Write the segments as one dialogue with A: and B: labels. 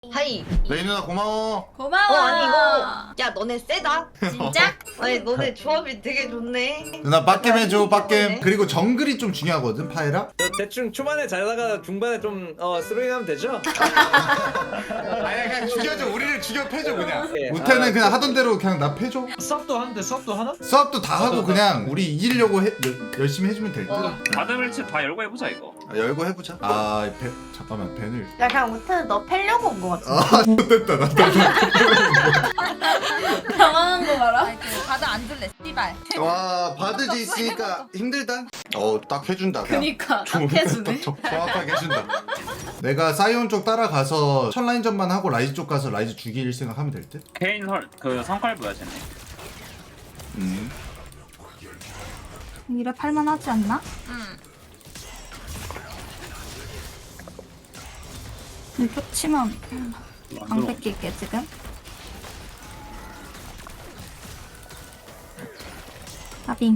A: 하이.
B: 레이 누나 고마워.
C: 고마워.
A: 아니 이거 야 너네 세다.
C: 진짜?
A: 아니 너네 조합이 되게 좋네.
B: 누나 빡겜 해줘 빡겜.
A: 네.
B: 그리고 정글이 좀 중요하거든 파에라.
D: 저 대충 초반에 잘하다가 중반에 좀 스로잉하면 되죠?
B: 아니 그냥 죽여줘. 우리를 죽여 패줘 그냥.
D: 예.
B: 우태는 그냥 하던 대로 그냥 나 패줘.
E: 수업도 하는데 수업도 하나?
B: 수업도 다 하고 그냥 우리 이기려고 열심히 해주면 될 듯.
F: 바드밀치 다 열고 해보자 이거.
B: 열고 해보자. 잠깐만 벤을.
A: 야 그냥 우태는 너 패려고 온 거 같아.
B: 아 됐다 나.
C: 당황한 거 봐라. 다들 안 줄래, 씨발.
B: 와 바드지 있으니까 힘들다. 딱 해준다. 그냥.
C: 그니까
B: 좀
C: 딱 해주네.
B: 정확하게 해준다. 내가 사이온 쪽 따라가서 첫 라인전만 하고 라이즈 쪽 가서 라이즈 죽일 생각하면 될 듯.
F: 개인 그 성깔부야 쟤네.
G: 이래 팔만하지 않나?
C: 응.
G: 이거 치면 안
F: 안
G: 뺏길게 지금. 아빙.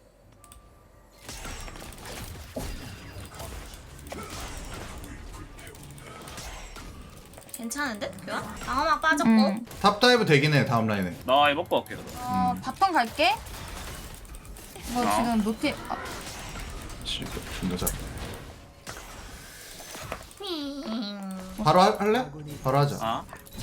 C: 괜찮은데? 교환? 방어막 빠졌고.
B: 탑 다이브 되긴 해 다음 라인에.
F: 나 이거 먹고 갈게.
G: 바텀 갈게. 뭐
F: 어.
G: 지금 노티
B: 존나 잘. 바로 할래? 바로 하자.
F: 아,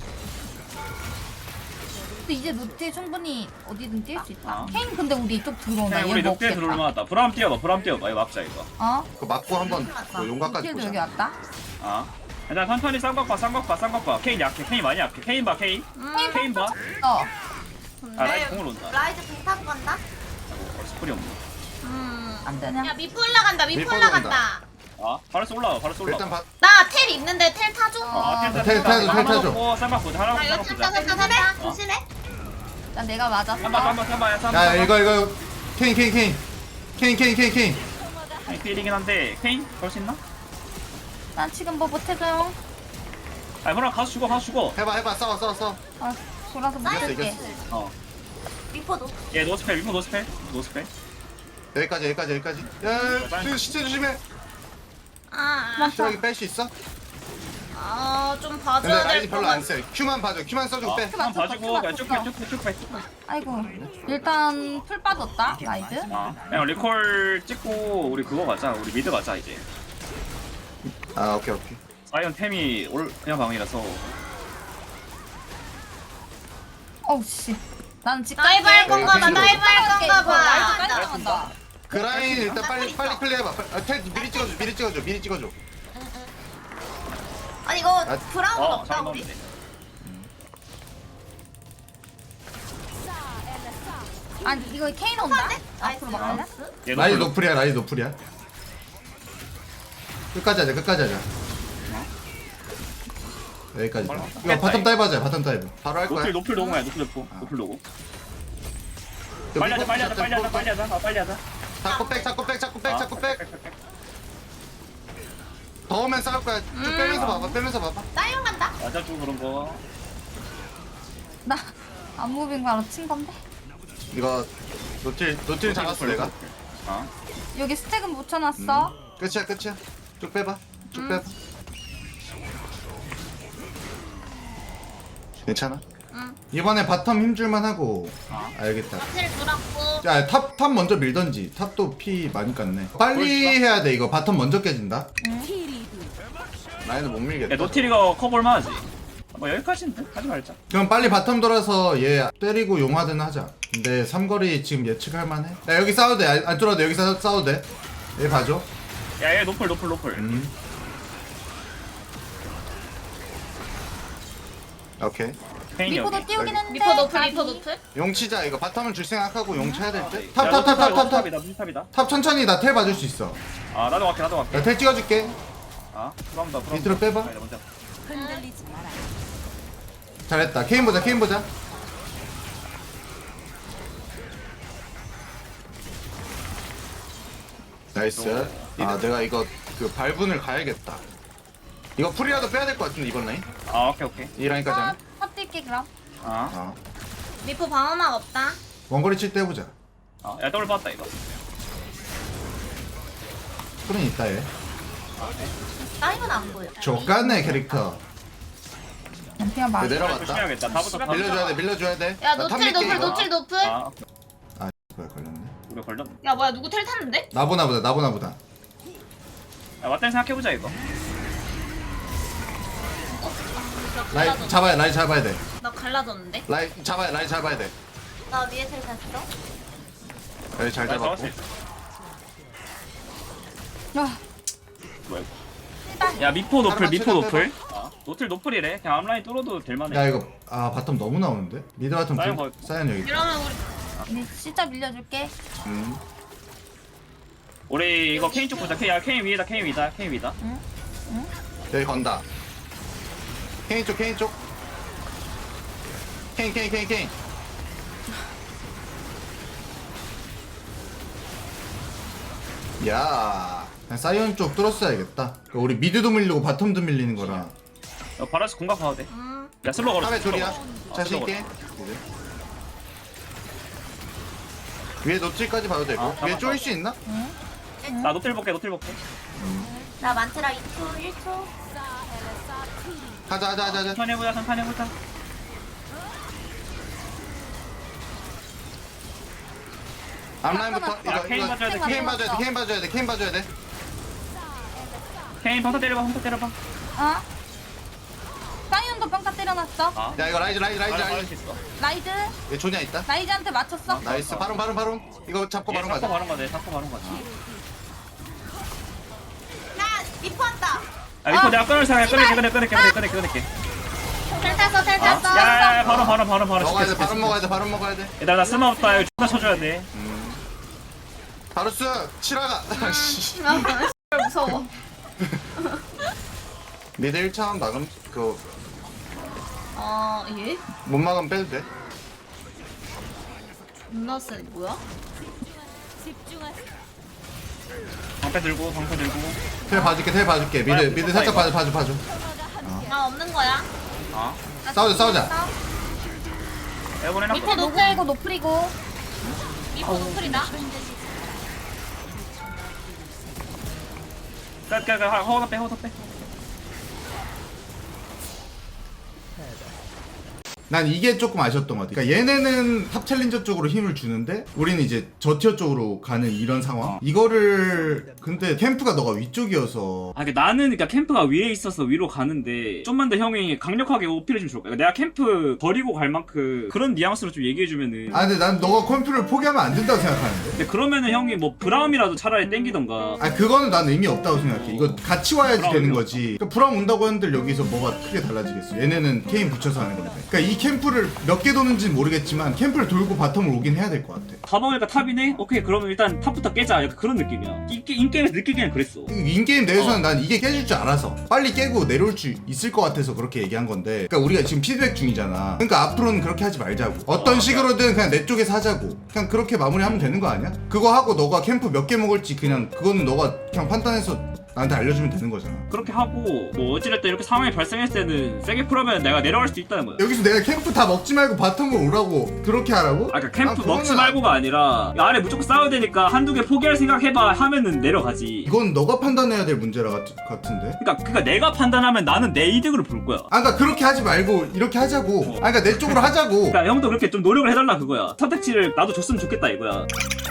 G: 근데 이제 노티 충분히 어디든 뛸 수 있다.
F: 아.
G: 케인 근데 우리 이쪽 들어오나?
F: 그냥
G: 얘
F: 우리 늑대
G: 먹겠다.
F: 들어올 만하다. 브라움 뛰어봐. 브라움 뛰어봐. 이거 막자 이거.
G: 어?
B: 그거 맞고 한번 용각까지
G: 노티도 여기
B: 보자.
G: 왔다.
F: 아, 일단 천천히 쌍각 봐. 쌍각 봐. 쌍각 봐. 케인 약해. 케인 많이 약해. 케인 봐. 케인. 케인 봐.
G: 어.
F: 아, 라이트 공을 온다.
A: 라이즈 공 타고 간다.
F: 스프리 없네.
G: 안 되냐?
C: 야 미프 올라간다. 미프
B: 미프
C: 올라간다.
F: 아, 바로스 올라와. 바로스 올라와.
B: 일단 봐.
C: 나 텔 있는데 텔 타줘.
B: 텔 타줘.
F: 쌍각 보자. 하나
C: 나 이거
F: 보자.
C: 탔다 탔다 탔다.
F: 어.
C: 조심해.
G: 난 내가 맞았어.
F: 쌈바.
B: 야 이거 케인.
F: 케인 필이긴 한데 케인 걸 수 있나?
G: 난 지금 뭐 못해줘요.
F: 아, 그럼 가서 죽어.
B: 해봐 싸워.
G: 아, 돌아서 못할게.
B: 이겼어.
F: 어.
A: 리포도.
F: 얘 노스펠. 위포 노스펠.
B: 여기까지. 야 시체 조심해.
C: 아,
B: 시작이 뺄 수 있어?
C: 좀
B: 근데
C: 봐줘야
B: 라이즈
C: 될
B: 별로
C: 것
B: 안
C: 같아.
B: 세. 큐만 봐줘. 큐만 써주고 빼.
F: 한 봐주고 그냥 쭉 빼.
G: 아이고. 일단 풀 빠졌다. 라이즈.
F: 아, 그냥 리콜 찍고 우리 그거 가자. 우리 미드 가자 이제.
B: 아 오케이.
F: 사이언 템이 그냥 방이라서.
G: 어우 씨. 난 지금
C: 다이브 할 건가 봐.
B: 네,
C: 다이브 할 건가 봐.
G: 라이즈 깔짝한다.
B: 그 라인 일단 빨리 클리어해봐. 텔 미리 찍어줘.
A: 아니 이거
B: 아,
A: 브라운 없다
F: 잘
A: 우리.
F: 넣었네.
G: 아니 이거 케인 온다.
A: 나이스.
G: 앞으로 막을래?
F: 얘
B: 라이즈
F: 노플.
B: 노플이야. 끝까지 하자. 여기까지. 이거 바텀 다이브 하자. 바텀 다이브. 바로 할 거야.
F: 노플 노공야. 노플 노공. 빨리 하자. 빨리 하자.
B: 자꾸 백. 더 오면 싸울 거야. 쭉 빼면서 봐봐.
A: 사이온 간다.
F: 맞아주고 그런 거.
G: 나 안무빙 바로 친 건데.
B: 이거 노틸 잡았어 내가.
F: 아,
G: 여기 스택은 묻혀놨어.
B: 끝이야. 쭉 빼봐. 괜찮아? 이번에 바텀 힘줄만 하고. 알겠다.
C: 텔 돌았고.
B: 야, 탑 먼저 밀던지. 탑도 피 많이 깠네. 빨리 해야 돼. 이거 바텀 먼저 깨진다. 라인은 못
F: 야
B: 밀겠다.
F: 노틸이가 커볼만 하지. 뭐 여기까지인데 하지 말자.
B: 그럼 빨리 바텀 돌아서 얘 때리고 용하든 하자. 근데 삼거리 지금 예측할 만해. 야, 여기 싸워도 돼. 안 뚫어도 돼. 여기 싸워도 돼. 얘 봐줘.
F: 야얘 노플.
B: 오케이.
F: 케인이 여기.
G: 미포도 띄우긴 했는데.
C: 미포 노플.
B: 용 치자. 이거 바텀은 줄 생각하고 용 쳐야 될 듯.
F: 야,
B: 탑.
F: 탑이다.
B: 탑 천천히 나 텔 봐줄 수 있어.
F: 아 나도 갈게.
B: 나 텔 찍어줄게.
F: 아, 브라운다.
B: 밑으로 빼봐.
F: 아니다, 먼저.
B: 잘했다. 케인 보자. 나이스. 아 내가 이거 그 발분을 가야겠다. 이거 풀이라도 빼야 될 것 같은데 이번 라인?
F: 아, 오케이.
B: 이 라인까지 하면?
G: 탑 뛸게 그럼.
F: 아,
C: 미포 방어막 없다.
B: 원거리 칠 때 해보자.
F: 야 더블 봤다 이거.
B: 풀은 있다 얘.
A: 사이온 안 보여.
B: 족같네 캐릭터.
G: 뱀피가 막.
B: 내려갔다.
F: 조심해야겠다. 다부터
B: 밀려줘야 돼 밀려줘야 돼.
C: 야
B: 나 탑
C: 노틸
B: 밀게,
C: 노플
B: 이거.
C: 노틸 노플.
F: 아,
B: 아 뭐야 걸렸네.
F: 우리 걸렸네.
C: 야 뭐야 누구 텔 탔는데?
B: 나보다 나보다.
F: 야, 맞다니 생각해보자 이거.
B: 라인 잡아야 돼.
C: 나 갈라졌는데?
B: 라인 잡아야 돼.
A: 나 위에 텔 탔어.
B: 라인 잘
F: 나 잡을
B: 잡았고.
F: 수 있어.
G: 아,
F: 뭐야 이거. 야 미포 노플
B: 하나만
F: 미포
B: 쳐줘,
F: 노플. 노틸 노플이래. 그냥 앞라인 뚫어도 될만해.
B: 야 이거 아 바텀 너무 나오는데? 미드 바텀
F: 사연 거-
B: 사연 여기.
C: 이러면 우리
G: 네, 진짜 밀려줄게.
F: 우리 이거 케인 쪽 보자. 야 케인 위에다 케인 위다.
B: 여기 건다. 케인 쪽. 케인. 야, 그냥 사이언 쪽 뚫었어야겠다. 그러니까 우리 미드도 밀리고 바텀도 밀리는 거라.
F: 야, 바라스 공각 봐도 돼. 야 슬로우 걸어.
B: 탑에 둘이야. 자신 있게. 위에 노틸까지 봐도 되고.
F: 아,
B: 위에 쪼일 수 있나?
F: 나 노틸 볼게.
A: 나 만트라 2초 1초.
B: 하자.
F: 천천히 해보자.
B: 앞라인부터
F: 아, 케인 봐줘야 돼,
B: 케인 봐줘야 돼.
F: 케인 방타 때려봐.
G: 어? 사이언도 평타 때려놨어.
F: 아.
B: 야 이거 라이즈.
F: 할 수 있어.
G: 라이즈.
B: 얘 조냐 있다.
G: 라이즈한테 맞췄어.
B: 나이스. 바론. 이거 잡고 바론 가자.
F: 잡고 바로 가자.
A: 나 리퍼 왔다.
F: 아 이거 내가 끊을 생각 끊을게.
C: 텔 탔어 텔 탔어.
F: 야 바로.
B: 먹어야 돼. 바론 먹어야 돼.
F: 얘들아 나 쓸모 없다. 이거 존나 쳐줘야 돼.
B: 바루스 치라가.
C: 무서워.
B: 미드 1차원 막음 그
C: 예?
B: 못 막으면 빼도 돼.
C: 존나 세 뭐야?
F: 방패 들고.
B: 텔 봐줄게. 미드 살짝 봐줘.
C: 나 없는 거야.
F: 아.
B: 싸우자.
F: 에어본 해놨어.
C: 미포 노플
G: 노플이고 노플이고.
C: 미포 노플이다.
F: 허우다 빼.
B: 난 이게 조금 아쉬웠던 것 같아. 그러니까 얘네는 탑 챌린저 쪽으로 힘을 주는데 우리는 이제 저티어 쪽으로 가는 이런 상황. 이거를 근데 캠프가 너가 위쪽이어서
F: 아, 나는 캠프가 위에 있어서 위로 가는데 좀만 더 형이 강력하게 오피를 좀 줄 거야. 내가 캠프 버리고 갈 만큼 그런 뉘앙스로 좀 얘기해주면은.
B: 아 근데 난 너가 컴퓨터를 포기하면 안 된다고 생각하는데.
F: 근데 그러면은 형이 뭐 브라움이라도 차라리 땡기던가.
B: 아 그거는 난 의미 없다고 생각해. 이거 같이 와야지
F: 브라움
B: 되는
F: 의미
B: 거지. 그러니까 브라움 온다고 했는데 여기서 뭐가 크게 달라지겠어. 얘네는 케인 붙여서 하는 건데. 그러니까 이 캠프를 몇 개 도는지는 모르겠지만 캠프를 돌고 바텀을 오긴 해야 될 것 같아.
F: 다 먹으니까 탑이네? 오케이 그러면 일단 탑부터 깨자. 약간 그런 느낌이야. 인게임에서 느끼기엔 그랬어.
B: 인게임 내에서는 난 이게 깨질 줄 알아서 빨리 깨고 내려올 수 있을 것 같아서 그렇게 얘기한 건데, 그러니까 우리가 지금 피드백 중이잖아. 그러니까 앞으로는 그렇게 하지 말자고. 어떤 식으로든 그냥 내 쪽에서 하자고. 그냥 그렇게 마무리하면 되는 거 아니야? 그거 하고 너가 캠프 몇 개 먹을지 그냥 그거는 너가 그냥 판단해서 나한테 알려주면 되는 거잖아.
F: 그렇게 하고 뭐 어찌됐든 이렇게 상황이 발생했을 때는 세게 풀하면 내가 내려갈 수도 있다는 거야.
B: 여기서 내가 캠프 다 먹지 말고 바텀으로 오라고 그렇게 하라고?
F: 아까 캠프
B: 그거는
F: 먹지 말고가 아니라 아래 무조건 싸워야 되니까 한두 개 포기할 생각 해봐 하면은 내려가지.
B: 이건 너가 판단해야 될 문제라 같은데.
F: 그러니까 내가 판단하면 나는 내 이득으로 볼 거야.
B: 아 그러니까 그렇게 하지 말고 이렇게 하자고. 아 그러니까 내 쪽으로 하자고.
F: 그러니까 형도 그렇게 좀 노력을 해달라 그거야. 선택지를 나도 줬으면 좋겠다 이거야.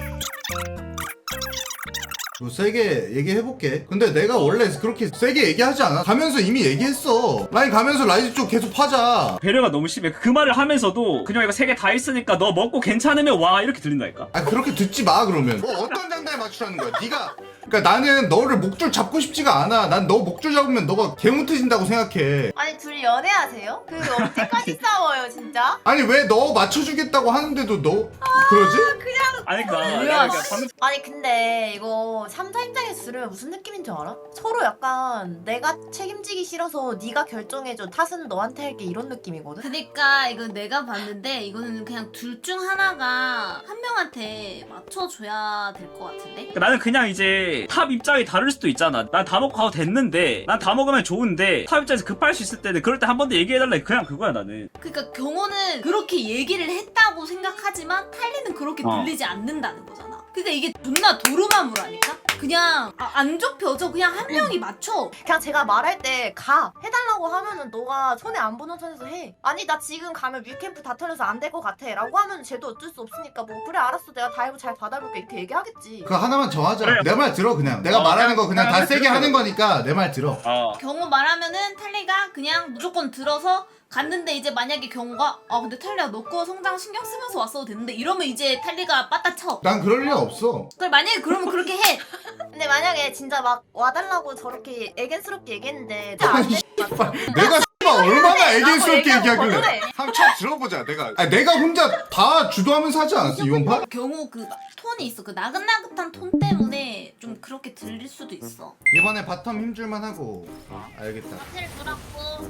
B: 뭐 세게 얘기해볼게. 근데 내가 원래 그렇게 세게 얘기하지 않아. 가면서 이미 얘기했어. 라인 가면서 라이즈 쪽 계속 파자.
F: 배려가 너무 심해. 그 말을 하면서도 그냥 이거 세 개 다 했으니까 너 먹고 괜찮으면 와 이렇게 들린다니까.
B: 아 그렇게 듣지 마 그러면. 뭐 어떤 장단에 맞추라는 거야 네가. 그러니까 나는 너를 목줄 잡고 싶지가 않아. 난 너 목줄 잡으면 너가 개못해진다고 생각해.
A: 아니 둘이 연애하세요? 그 언제까지 싸워요 진짜?
B: 아니 왜 너 맞춰주겠다고 하는데도 너 그러지?
F: 아니
A: 뭐야,
F: 그러니까 방금
A: 아니 근데 이거 3사 입장에서 들으면 무슨 느낌인 줄 알아? 서로 약간 내가 책임지기 싫어서 네가 결정해줘, 탓은 너한테 할게, 이런 느낌이거든?
C: 그니까 이거 내가 봤는데 이거는 그냥 둘 중 하나가 한 명한테 맞춰줘야 될 것 같은데?
F: 그러니까 나는 그냥 이제 탑 입장이 다를 수도 있잖아. 난 다 먹고 가도 됐는데 난 다 먹으면 좋은데 탑 입장에서 급할 수 있을 때는 그럴 때 한 번 더 얘기해달라. 그냥 그거야 나는.
C: 그러니까 경호는 그렇게 얘기를 했다고 생각하지만 탈리는 그렇게 들리지 않는다는 거잖아. 그러니까 이게 존나 도루마무라니까? 그냥 안 좁혀져. 그냥 한 명이 맞춰.
A: 그냥 제가 말할 때 가 해달라고 하면은 너가 손해 안 보는 선에서 해. 아니 나 지금 가면 위캠프 다 털려서 안 될 것 같아 라고 하면 쟤도 어쩔 수 없으니까 뭐 그래 알았어 내가 다이브 잘 받아볼게 이렇게 얘기하겠지.
B: 그거 하나만 정하자.
F: 그래.
B: 내 말 들어 그냥. 내가 말하는 거 그냥 다 세게 하는 거니까 내 말 들어.
C: 경호 말하면은 탈리가 그냥 무조건 들어서 갔는데 이제 만약에 경호가 근데 탈리야 너 거 성장 신경 쓰면서 왔어도 되는데 이러면 이제 탈리가 빠따쳐.
B: 난 그럴 리 없어.
C: 그래 만약에 그러면 그렇게 해.
A: 근데 만약에 진짜 막 와달라고 저렇게 애견스럽게 얘기했는데 안 돼?
B: 내가 얼마나 애견스럽게 얘기하길래.
A: 그래.
B: 한번 쳐 들어보자. 내가 혼자 다 주도하면서 하지 않았어 이번 판?
C: 경호 그 톤이 있어. 그 나긋나긋한 톤 때문에 좀 그렇게 들릴 수도 있어.
B: 이번에 바텀 힘줄만 하고. 알겠다.
C: 사실 dur았고.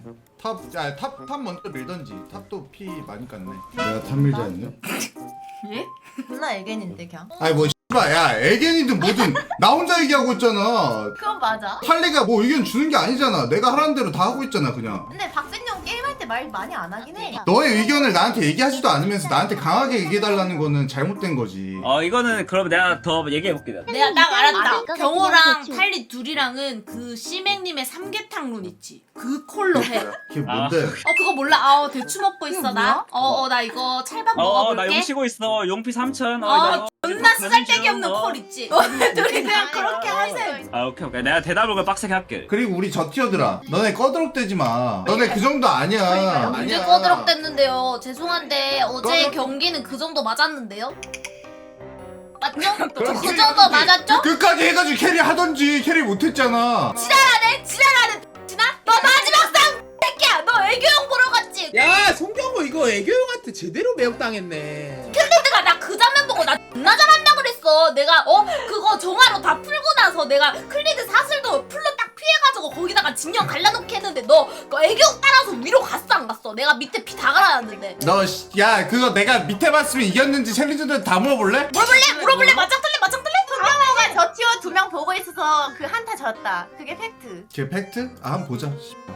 B: 탑 먼저 밀던지. 탑도 피 많이 깠네. 내가 탑 밀자 했네.
C: 예?
A: 존나 애견인데 그냥.
B: 아니 뭐 씨발 야 애견이든 뭐든 나 혼자 얘기하고 있잖아.
A: 그건 맞아.
B: 탈리가 뭐 의견 주는 게 아니잖아. 내가 하라는 대로 다 하고 있잖아 그냥.
A: 근데 박센영 게임할 때 말 많이 안 하긴 해.
B: 너의 의견을 나한테 얘기하지도 않으면서 나한테 강하게 얘기해달라는 거는 잘못된 거지.
F: 이거는 그럼 내가 더 얘기해볼게.
C: 내가 딱 알았다.
E: 아닐까
C: 경호랑
E: 같긴
C: 탈리 둘이랑은 그 시맹님의 삼계탕 룬 있지. 그 콜로 해.
B: 그게 뭔데?
C: 그거 몰라. 대추 먹고 있어 나. 나 이거 찰밥
F: 나
C: 먹어볼게.
F: 용 쉬고 있어. 용피 3,000.
C: 존나 쓰잘데기 없는 콜 있지. 둘이 그냥 그렇게 하세요.
F: 오케이. 내가 대답을 그냥 빡세게 할게.
B: 그리고 우리 저 티어들아 너네 꺼드럭대지 마. 너네 그 정도 아니야.
C: 언제
B: 아니야.
C: 꺼드럭댔는데요. 죄송한데 어제
B: 꺼드럭-
C: 경기는 그 정도 맞았는데요. 맞죠? 그 정도 맞았죠?
B: 끝까지 해가지고 캐리 하던지 캐리 못했잖아.
C: 지랄하네. 지나? 너 마지막 상 새끼야. 너 애교형 보러 갔지?
H: 야 송경호 이거 애교형한테 제대로 매혹당했네.
C: 내가 나 그 장면 보고 나 존나 잘한다 그랬어. 내가 그거 정화로 다 풀고 나서 내가 클리드 사슬도 풀로 딱 피해가지고 거기다가 진영 갈라놓게 했는데 너 그 애교형 따라서 위로 갔어 안 갔어? 내가 밑에 피 다 갈아놨는데.
B: 야 그거 내가 밑에 봤으면 이겼는지 챌린저들 다 물어볼래?
C: 물어볼래? 맞짱 틀래?
A: 경호가 저 티어 2명 보고 있어서 그 한타 졌다. 그게 팩트.
B: 걔 팩트? 한번 보자.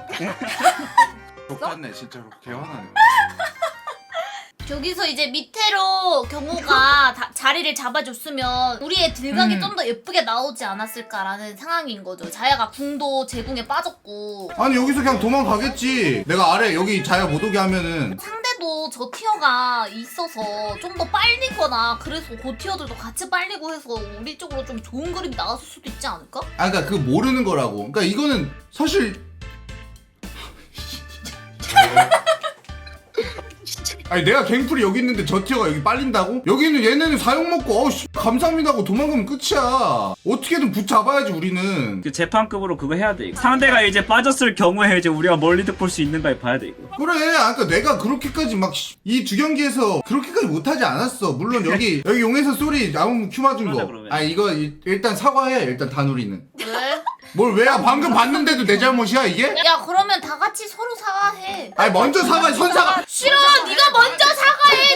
B: 똑같네 진짜로 개화나네.
C: 저기서 이제 밑으로 경호가 자리를 잡아줬으면 우리의 딜각이 좀 더 예쁘게 나오지 않았을까라는 상황인 거죠. 자야가 궁도 제궁에 빠졌고
B: 아니 여기서 그냥 도망가겠지. 내가 아래 여기 자야 못 오게 하면은.
C: 상대도 저 티어가 있어서 좀 더 빨리거나 그래서 그 티어들도 같이 빨리고 해서 우리 쪽으로 좀 좋은 그림이 나왔을 수도 있지 않을까?
B: 그러니까 그 모르는 거라고. 그러니까 이거는 사실 아니 내가 갱플이 여기 있는데 저 티어가 여기 빨린다고? 여기는 얘네는 사용 먹고 감사합니다 하고 도망가면 끝이야. 어떻게든 붙잡아야지 우리는.
F: 그 재판급으로 그거 해야 돼. 상대가 이제 빠졌을 경우에 이제 우리가 멀리 득볼 수 있는가 봐야 돼 이거.
B: 그래 그러니까 내가 그렇게까지 막 이 두 경기에서 그렇게까지 못하지 않았어. 물론 여기 용에서 쏘리 아무 큐 맞은
F: 그러자,
B: 거.
F: 그러면.
B: 이거 일단 사과해. 일단 다누리는.
C: 왜?
B: 뭘 왜야? 방금 봤는데도 내 잘못이야 이게?
C: 야 그러면 다 같이 서로 사과해.
B: 아니 먼저 사과 선사가.
C: 싫어. 네가 먼저 사과해.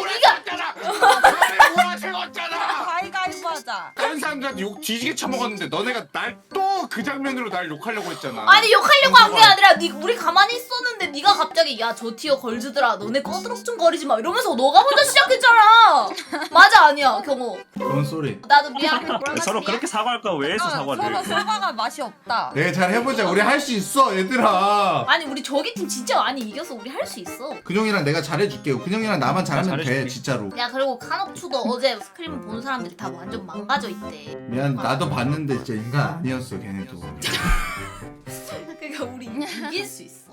C: 네가.
G: 가위가위보 하자.
B: 다른 사람들한테 욕 뒤지게 쳐먹었는데 너네가 날 또 그 장면으로 날 욕하려고 했잖아.
C: 아니 욕하려고 한 게 아니라 우리 가만히 있었는데 네가 갑자기 야 저 티어 걸즈들아 너네 꺼드럭증거리지 마 이러면서 너가 먼저 시작했잖아. 맞아 아니야 경호.
B: 그건 쏘리.
C: 나도 미안.
F: 서로 그렇게 사과할 거야 왜 해서 사과를
G: 서로
F: 해?
G: 사과가 맛이 없다.
B: 내가 잘 해보자. 우리 할 수 있어 얘들아.
C: 아니 우리 저기 팀 진짜 많이 이겨서 우리 할 수 있어.
B: 근영이랑 내가 잘해줄게요. 근영이랑 나만 잘하면 돼
F: 잘해줄게.
B: 진짜로.
C: 야 그리고 카녹추도 어제 스크림 본 사람들이 다 완전 망가져 있대.
B: 미안 나도 봤는데 진짜 인간 아니었어 걔네도.
C: 그러니까 우리 이길 수 있어.